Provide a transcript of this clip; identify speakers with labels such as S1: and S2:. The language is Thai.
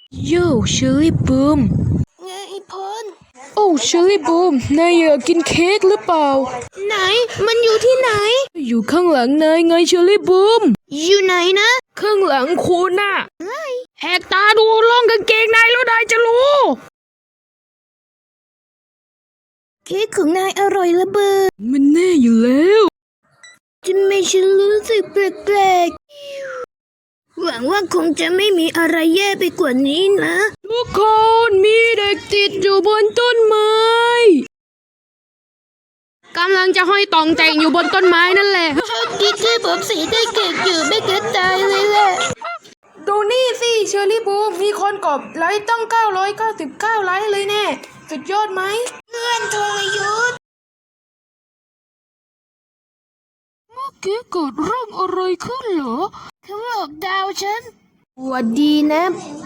S1: โย่เชอร์รี่บูมไงพลโอ้เชอร์รี่บูมนายอยากกินเค้กหรือเปล่าไหนมันอยู่ที่ไหนอยู่ข้างหลังนายไงเชอร์รี่บูมอยู่ไหนนะข้างหลังคุณน่ะแหกตาดูล่องกางเกงนายแล้วนายจะรู้เค้กของนายอร่อยระเบิดมันแน่อยู่แล้วจะไม่ฉันรู้สึกแปลกๆหวังว่าคงจะไม่มีอะไรแย่ไปกว่านี้นะทุกคนมีเด็กติดอยู่บนต้นไม้กำลังจะห้อยตองแต่งอยู่บนต้นไม้นั่นแหละโชคดีที่ผมสีได้เก่งอยู่ไม่เกินตายเลยแหละดูนี่สิเชอร์รี่บูมมีคนกดไลค์ตั้ง999ไลค์เลยแน่สุดยอดไหมเพื่อนทรยศเมื่อกี้เกิดเรื่องอะไรขึ้นเหรอเขาหลอกดาวฉันสวัสดีนะ